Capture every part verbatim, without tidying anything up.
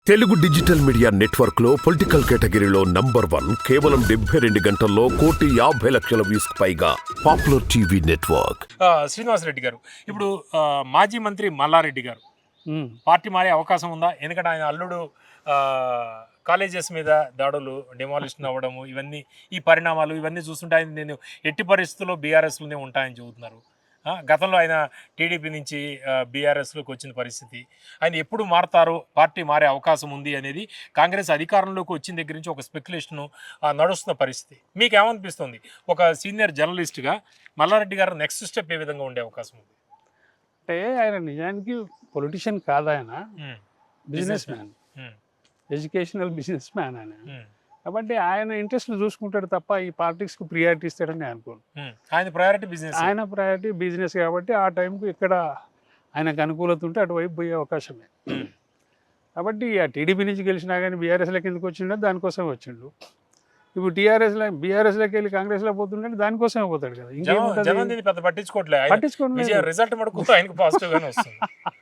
Telugu digital media network లో political కేటగిరీలో number one కేవలం డెబ్బై రెండు గంటల్లో కోటి యాభై లక్షల వ్యూస్ పైగా పాపులర్ టీవీ నెట్వర్క్. శ్రీనివాసరెడ్డి గారు ఇప్పుడు ఆ, మాజీ మంత్రి మల్లారెడ్డి గారు పార్టీ మారే అవకాశం ఉందా? ఎందుకంటే ఆయన అల్లుడు కాలేజెస్ మీద దాడులు, డిమాలిషన్ అవ్వడము, ఇవన్నీ ఈ పరిణామాలు ఇవన్నీ చూస్తుంటే ఆయన నేను ఎట్టి పరిస్థితుల్లో బీఆర్ఎస్లోనే ఉంటాయని చెబుతున్నారు. ఆ, గతంలో ఆయన టీడీపీ నుంచి బీఆర్ఎస్లోకి వచ్చిన పరిస్థితి, ఆయన ఎప్పుడు మారుతారో, పార్టీ మారే అవకాశం ఉంది అనేది కాంగ్రెస్ అధికారంలోకి వచ్చిన దగ్గర నుంచి ఒక స్పెక్యులేషను నడుస్తున్న పరిస్థితి. మీకు ఏమనిపిస్తుంది ఒక సీనియర్ జర్నలిస్ట్గా మల్లారెడ్డి గారు నెక్స్ట్ స్టెప్ ఏ విధంగా ఉండే అవకాశం ఉంది? అంటే ఆయన నిజానికి పొలిటిషియన్ కాదు, ఆయన businessman, educational businessman ఆయన. కాబట్టి ఆయన ఇంట్రెస్ట్ చూసుకుంటాడు తప్ప ఈ పాలిటిక్స్కి ప్రియారిటీ ఇస్తాడని అనుకోను. ఆయన ప్రయారిటీ బిజినెస్, ఆయన ప్రయారిటీ బిజినెస్ కాబట్టి ఆ టైంకి ఎక్కడ ఆయనకు అనుకూలత ఉంటే అటువైపు పోయే అవకాశమే. కాబట్టి ఆ టీడీపీ నుంచి గెలిచినా కానీ బీఆర్ఎస్లోకి ఎందుకు వచ్చిండో దానికోసం వచ్చిండు. ఇప్పుడు టీఆర్ఎస్లో బీఆర్ఎస్లోకి వెళ్ళి కాంగ్రెస్లో పోతుంటే దానికోసమే పోతాడు కదా. ఇంకేముంటుంది, పెద్ద పట్టించుకోవట్లేదు, పట్టించుకోవట్లేదు. రిజల్ట్ మటుకు ఆయనకు పాజిటివ్ గానే వస్తుంది.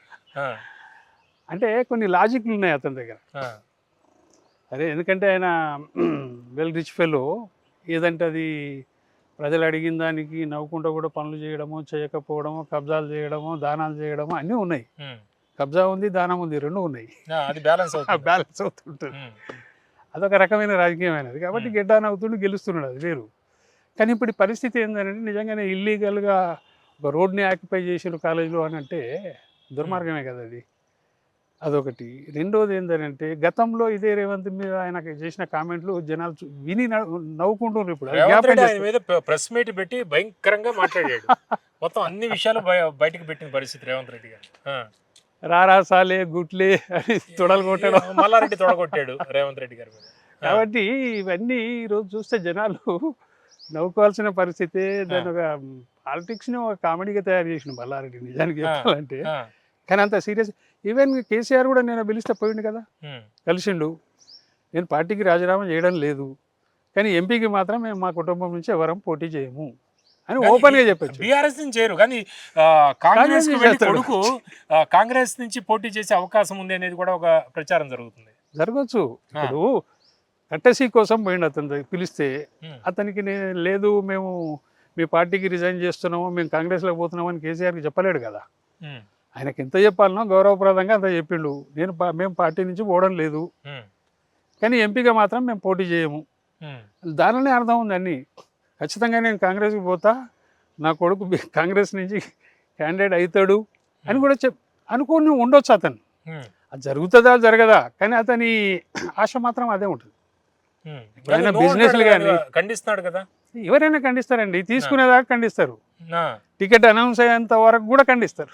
అంటే కొన్ని లాజిక్లు ఉన్నాయి అతని దగ్గర. అరే ఎందుకంటే ఆయన వెల్ రిచ్ ఫెలో, ఏదంటే అది ప్రజలు అడిగిన దానికి నవ్వుకుంటూ కూడా పనులు చేయడము, చేయకపోవడము, కబ్జాలు చేయడము, దానాలు చేయడము అన్నీ ఉన్నాయి. కబ్జా ఉంది, దానం ఉంది, రెండు ఉన్నాయి. అది బ్యాలెన్స్ బ్యాలెన్స్ అవుతుంటుంది. అదొక రకమైన రాజకీయమైనది. కాబట్టి గెడ్డాన్ అవుతుండి గెలుస్తున్నాడు, అది వేరు. కానీ ఇప్పుడు పరిస్థితి ఏంటంటే నిజంగానే ఇల్లీగల్గా ఒక రోడ్ని ఆక్యుపై చేసిన కాలేజీలో అని అంటే దుర్మార్గమే కదా అది. అదొకటి. రెండోది ఏంటంటే గతంలో ఇదే రేవంత్ మీద ఆయన చేసిన కామెంట్లు జనాలు విని నవ్వుకుంటున్నారు. ఇప్పుడు ప్రెస్ మీట్ పెట్టి భయంకరంగా మాట్లాడాడు, మొత్తం అన్ని విషయాలు బయటకు పెట్టిన పరిస్థితి రేవంత్ రెడ్డి గారు. రారా సాలే గుట్లే అని తొడలు కొట్టాడు, మల్లారెడ్డి తొడగొట్టాడు రేవంత్ రెడ్డి గారు. కాబట్టి ఇవన్నీ ఈరోజు చూస్తే జనాలు నవ్వుకోవాల్సిన పరిస్థితి. దాని ఒక పాలిటిక్స్ని ఒక కామెడీగా తయారు చేసిన మల్లారెడ్డి నిజానికి చెప్పాలంటే. కానీ అంత సీరియస్. ఈవెన్ కేసీఆర్ కూడా నేను పిలిస్తే పోయిండు కదా, కలిసిండు. నేను పార్టీకి రాజీనామా చేయడం లేదు, కానీ ఎంపీకి మాత్రం మేము మా కుటుంబం నుంచి ఎవరం పోటీ చేయము అని ఓపెన్ గా చెప్పచ్చు. బీఆర్ఎస్ నుంచి చేయరు కానీ కాంగ్రెస్ కొడుకు కాంగ్రెస్ నుంచి పోటీ చేసే అవకాశం ఉంది అనేది కూడా ఒక ప్రచారం జరుగుతుంది. జరగచ్చు. ఇప్పుడు కట్టసీ కోసం పోయిండు అతను పిలిస్తే, అతనికి నేను లేదు మేము మీ పార్టీకి రిజైన్ చేస్తున్నాము, మేము కాంగ్రెస్లోకి పోతున్నాము అని కేసీఆర్కి చెప్పలేడు కదా. ఆయనకి ఎంత చెప్పాలనో గౌరవప్రదంగా అంత చెప్పిండు. నేను మేము పార్టీ నుంచి పోవడం లేదు, కానీ ఎంపీగా మాత్రం మేము పోటీ చేయము. దానిలోనే అర్థం ఉంది అన్ని. ఖచ్చితంగా నేను కాంగ్రెస్కి పోతా, నా కొడుకు కాంగ్రెస్ నుంచి క్యాండిడేట్ అవుతాడు అని కూడా చెప్ అనుకుని ఉండొచ్చు అతను. అది జరుగుతుందా జరగదా, కానీ అతని ఆశ మాత్రం అదే ఉంటుంది. ఆయన బిజినెస్ కానీ ఖండిస్తున్నాడు కదా, ఎవరైనా ఖండిస్తారండి, తీసుకునేదాకా ఖండిస్తారు, టికెట్ అనౌన్స్ అయ్యేంత వరకు కూడా ఖండిస్తారు.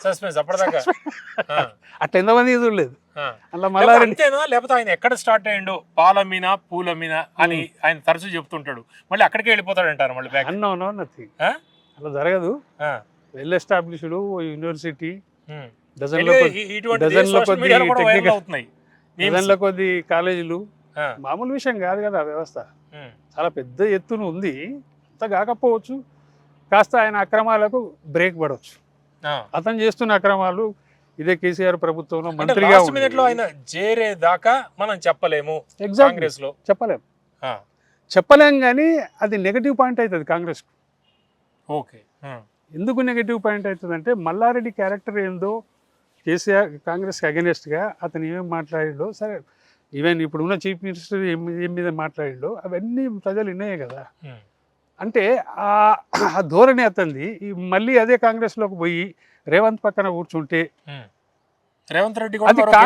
అట్లా ఎంతమంది చూడలేదు. అలా మల్లారెడ్డి లేకపోతే ఆయన ఎక్కడ స్టార్ట్ అయ్యిండు, పాలమీనా పూలమీనా అని ఆయన తరచూ చెప్తుంటాడు, మళ్ళీ అక్కడికి వెళ్ళిపోతాడు అంటారు మళ్ళీ. అన్నో నథింగ్, అలా జరగదు. వెల్ ఎస్టాబ్లిష్డ్ యూనివర్సిటీ, డజన్ల డజన్ల కొద్ది టెక్నికల్, డజన్ల కొద్ది కాలేజీలు, మామూలు విషయం కాదు కదా. వ్యవస్థ చాలా పెద్ద ఎత్తున ఉంది. అంత కాకపోవచ్చు, కాస్త ఆయన అక్రమాలకు బ్రేక్ పడవచ్చు. అతను చేస్తున్న అక్రమాలు ఇదే కేసీఆర్ ప్రభుత్వంలో మంత్రిగా ఆయన చేరేదాకా మనం చెప్పలేము. కాంగ్రెస్ లో చెప్పలేము చెప్పలేం కానీ అది నెగటివ్ పాయింట్ అవుతుంది కాంగ్రెస్కు. ఓకే, ఎందుకు నెగటివ్ పాయింట్ అవుతుంది అంటే మల్లారెడ్డి క్యారెక్టర్ ఏందో, కేసీఆర్ కాంగ్రెస్కి అగెనిస్ట్గా అతను ఏమేమి మాట్లాడిండో, సరే ఈవెన్ ఇప్పుడున్న చీఫ్ మినిస్టర్ ఏం ఏం మీద మాట్లాడిండో అవన్నీ ప్రజలు విన్నాయే కదా. అంటే ఆ ధోరణి అతనిది. మళ్ళీ అదే కాంగ్రెస్లోకి పోయి రేవంత్ పక్కన కూర్చుంటే రేవంత్ రెడ్డి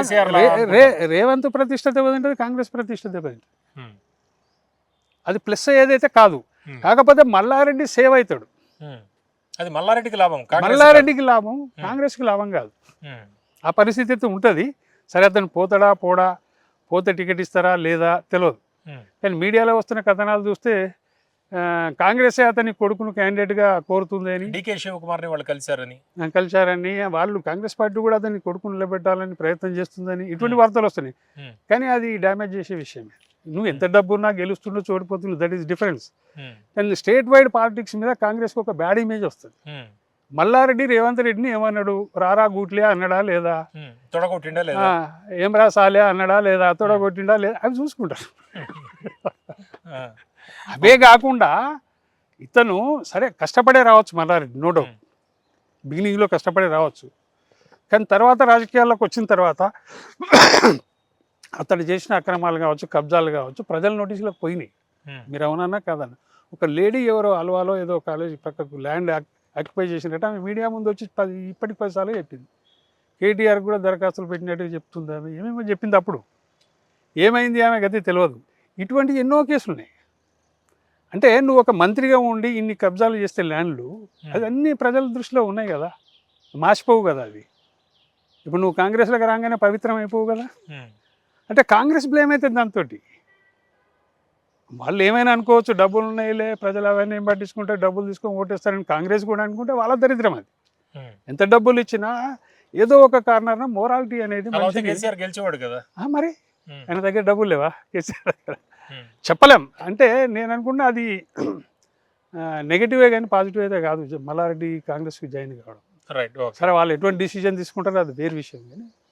రేవంత్ ప్రతిష్ట దెబ్బతింటుంది, కాంగ్రెస్ ప్రతిష్ట దెబ్బతింటుంది. అది ప్లస్ అయ్యేదైతే కాదు. కాకపోతే మల్లారెడ్డి సేవ్ అవుతాడు, అది మల్లారెడ్డికి లాభం. మల్లారెడ్డికి లాభం, కాంగ్రెస్కి లాభం కాదు. ఆ పరిస్థితి అయితే ఉంటుంది. సరే అతను పోతాడా పోడా, పోతే టికెట్ ఇస్తారా లేదా తెలియదు. కానీ మీడియాలో వస్తున్న కథనాలు చూస్తే కాంగ్రెసే అతని కొడుకును క్యాండిడేట్గా కోరుతుంది అని, డీకే శివకుమార్ని వాళ్ళు కలిశారని కలిశారని వాళ్ళు కాంగ్రెస్ పార్టీ కూడా అతని కొడుకును నిలబెట్టాలని ప్రయత్నం చేస్తుందని ఇటువంటి వార్తలు వస్తున్నాయి. కానీ అది డ్యామేజ్ చేసే విషయమే. నువ్వు ఎంత డబ్బున్నా గెలుస్తుండో చోడిపోతుందో, దట్ ఈస్ డిఫరెన్స్. కానీ స్టేట్ వైడ్ పాలిటిక్స్ మీద కాంగ్రెస్కి ఒక బ్యాడ్ ఇమేజ్ వస్తుంది. మల్లారెడ్డి రేవంత్ రెడ్డిని ఏమన్నాడు, రారా గూట్లే అన్నాడా లేదా, ఉమ్, తొడగొట్టిండా లేదా? ఆ, ఏం రా సాలే అన్నాడా లేదా, తొడగొట్టిండా లేదా, అవి చూసుకుంటారు. ఆ, అవే కాకుండా ఇతను సరే కష్టపడే రావచ్చు మల్లారెడ్డి, నో డౌట్, బిగినింగ్లో కష్టపడే రావచ్చు, కానీ తర్వాత రాజకీయాల్లోకి వచ్చిన తర్వాత అతడు చేసిన అక్రమాలు కావచ్చు, కబ్జాలు కావచ్చు, ప్రజల నోటీసులకు పోయినాయి. ఉమ్, మీరు అవునన్నా కాదన్న, ఒక లేడీ ఎవరో అల్వాలో ఏదో కాలేజీ పక్కకు ల్యాండ్ ఆక్యుపై చేసినట్టు ఆమె మీడియా ముందు వచ్చి పది ఇప్పటికి పది సార్లు చెప్పింది. కేటీఆర్ కూడా దరఖాస్తులు పెట్టినట్టుగా చెప్తుంది, ఆమె ఏమేమో చెప్పింది. అప్పుడు ఏమైంది ఆమె గతి తెలియదు. ఇటువంటి ఎన్నో కేసులు ఉన్నాయి. అంటే నువ్వు ఒక మంత్రిగా ఉండి ఇన్ని కబ్జాలు చేస్తే ల్యాండ్లు, అది అన్ని ప్రజల దృష్టిలో ఉన్నాయి కదా, మాసిపోవు కదా అది. ఇప్పుడు నువ్వు కాంగ్రెస్లోకి రాగానే పవిత్రం అయిపోవు కదా. ఉమ్, అంటే కాంగ్రెస్ బ్లేమ్ అవుతుంది దాంతో. వాళ్ళు ఏమైనా అనుకోవచ్చు, డబ్బులు ఉన్నాయిలే, ప్రజలు అవన్నీ ఏం పట్టించుకుంటే డబ్బులు తీసుకొని ఓటేస్తారని కాంగ్రెస్ కూడా అనుకుంటే వాళ్ళ దరిద్రం అది. ఉమ్. ఎంత డబ్బులు ఇచ్చినా ఏదో ఒక కారణాన మోరాలిటీ అనేది అలా అయితే మనిషికి- కేసీఆర్ గెలిచేవాడు కదా. ఆ, మరి ఉమ్, ఆయన దగ్గర డబ్బులు లేవా కేసీఆర్ దగ్గర? ఉమ్, చెప్పలేం. అంటే నేను అనుకున్నా అది నెగిటివే కానీ పాజిటివ్ అయితే కాదు, మల్లారెడ్డి కాంగ్రెస్కి జాయిన్ కావడం. Right, okay. సరే వాళ్ళు ఎటువంటి డిసిజన్ తీసుకుంటారో అది వేరే విషయం, కానీ